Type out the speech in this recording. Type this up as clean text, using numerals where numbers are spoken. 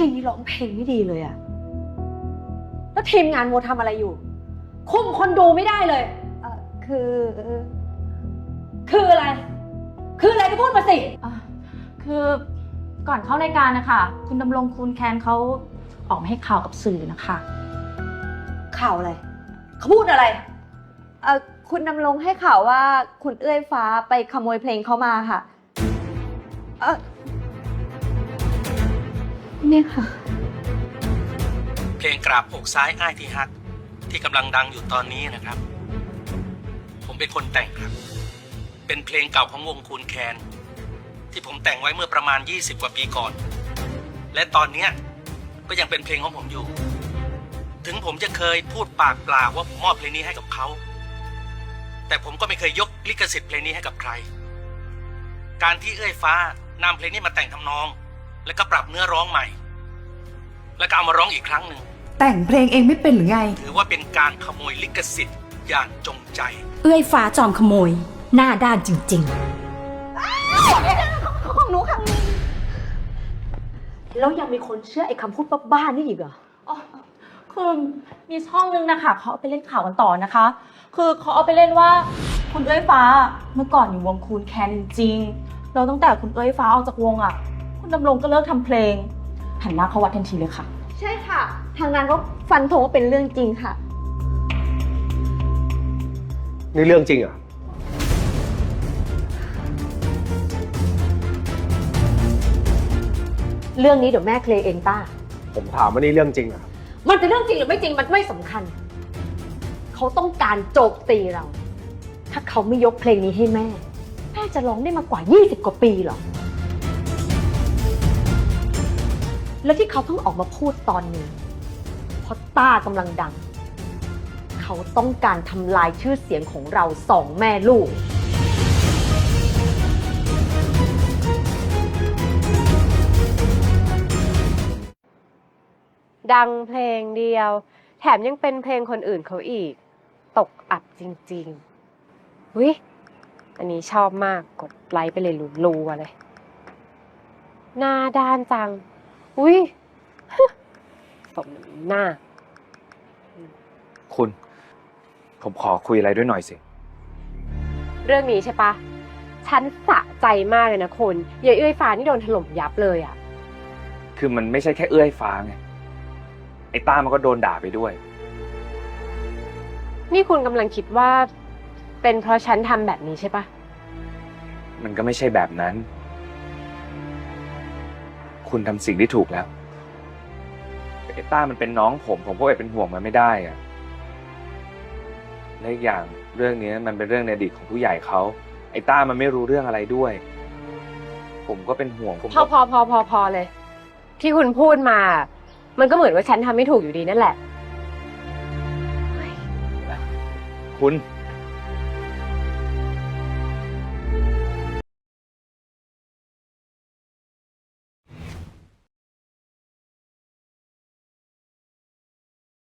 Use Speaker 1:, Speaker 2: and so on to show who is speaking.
Speaker 1: จีนี่ร้องเพลงไม่ดีเลยอะแล้วทีมงานโมทำอะไรอยู่คุมคนดูไม่ได้เลยคืออะไรคืออะไรก็พูดมาสิ
Speaker 2: คือก่อนเข้ารายการนะคะคุณดำรงคุณแคนเขาออกมาให้ข่าวกับสื่อนะคะ
Speaker 1: ข่าวอะไรเขาพูดอะไร
Speaker 3: คุณดำรงให้ข่าวว่าคุณเอื้อยฟ้าไปขโมยเพลงเขามาค่ะเนี่ยค่ะ
Speaker 4: เพลงกราบอกซ้ายอ้ายที่ฮักที่กำลังดังอยู่ตอนนี้นะครับผมเป็นคนแต่งครับเป็นเพลงเก่าของวงคูนแคนที่ผมแต่งไว้เมื่อประมาณ20 กว่าปีก่อนและตอนนี้ก็ยังเป็นเพลงของผมอยู่ถึงผมจะเคยพูดปากเปล่าว่าผมมอบเพลงนี้ให้กับเขาแต่ผมก็ไม่เคยยกลิขสิทธิ์เพลงนี้ให้กับใครการที่เอื้อยฟ้านำเพลงนี้มาแต่งทำนองแล้วก็ปรับเนื้อร้องใหม่แล้วก็เอามาร้องอีกครั้งหนึ่ง
Speaker 5: แต่งเพลงเองไม่เป็นหรือไง
Speaker 4: ถือว่าเป็นการขโมยลิขสิทธิ์อย่างจงใจ
Speaker 6: เอื้อยฟ้าจอมขโมยหน้าด้านจริง
Speaker 1: ของหนูค่ะแล้วยังมีคนเชื่อไอ้คำพูดบ้าๆนี่อีกเหรอ
Speaker 2: คือมีช่องนึงนะคะเขาเอาไปเล่นข่าวกันต่อนะคะคือเขาเอาไปเล่นว่าคุณเอื้อยฟ้าเมื่อก่อนอยู่วงคูนแคนจริงๆแล้วตั้งแต่คุณเอื้อยฟ้าออกจากวงคุณดำรงก็เลิกทำเพลงหันหน้าเข้าวัดทันทีเลยค่ะ
Speaker 3: ใช่ค่ะทางนั้นก็ฟันธงว่าเป็นเรื่องจริงค่ะ
Speaker 7: นี่เรื่องจริงเหรอ
Speaker 1: เรื่องนี้เดี๋ยวแม่เคลียร์เองป้า
Speaker 7: ผมถามว่านี่เรื่องจริงเหรอ
Speaker 1: มันจะเรื่องจริงหรือไม่จริงมันไม่สำคัญเขาต้องการโจมตีเราถ้าเขาไม่ยกเพลงนี้ให้แม่แม่จะร้องได้มากว่า20 กว่าปีหรอแล้วที่เขาเพิ่งออกมาพูดตอนนี้เพราะต้ากำลังดังเขาต้องการทำลายชื่อเสียงของเรา2 แม่ลูก
Speaker 8: ดังเพลงเดียวแถมยังเป็นเพลงคนอื่นเขาอีกตกอับจริงๆวิอันนี้ชอบมากกดไลค์ไปเลยรัวๆเลยหน้าด้านจังอุ้ยสมหน้า
Speaker 7: คุณผมขอคุยอะไรด้วยหน่อยสิ
Speaker 8: เรื่องนี้ใช่ปะฉันสะใจมากเลยนะคุณยายเอื้อยฟ้านี่โดนถล่มยับเลย
Speaker 7: คือมันไม่ใช่แค่เอื้อยฟ้าไงไอ้ต้ามันก็โดนด่าไปด้วย
Speaker 8: นี่คุณกำลังคิดว่าเป็นเพราะฉันทำแบบนี้ใช่ปะ
Speaker 7: มันก็ไม่ใช่แบบนั้นคุณทำสิ่งที่ถูกแล้วไอ้ต้ามันเป็นน้องผมก็เป็นห่วงมันไม่ได้และอีกอย่างเรื่องนี้มันเป็นเรื่องในอดีตของผู้ใหญ่เขาไอ้ต้ามันไม่รู้เรื่องอะไรด้วยผมก็เป็นห่วง
Speaker 8: พอเลยที่คุณพูดมามันก็เหมือนว่าฉันทำไม่ถูกอยู่ดีนั่นแหละ
Speaker 7: คุณ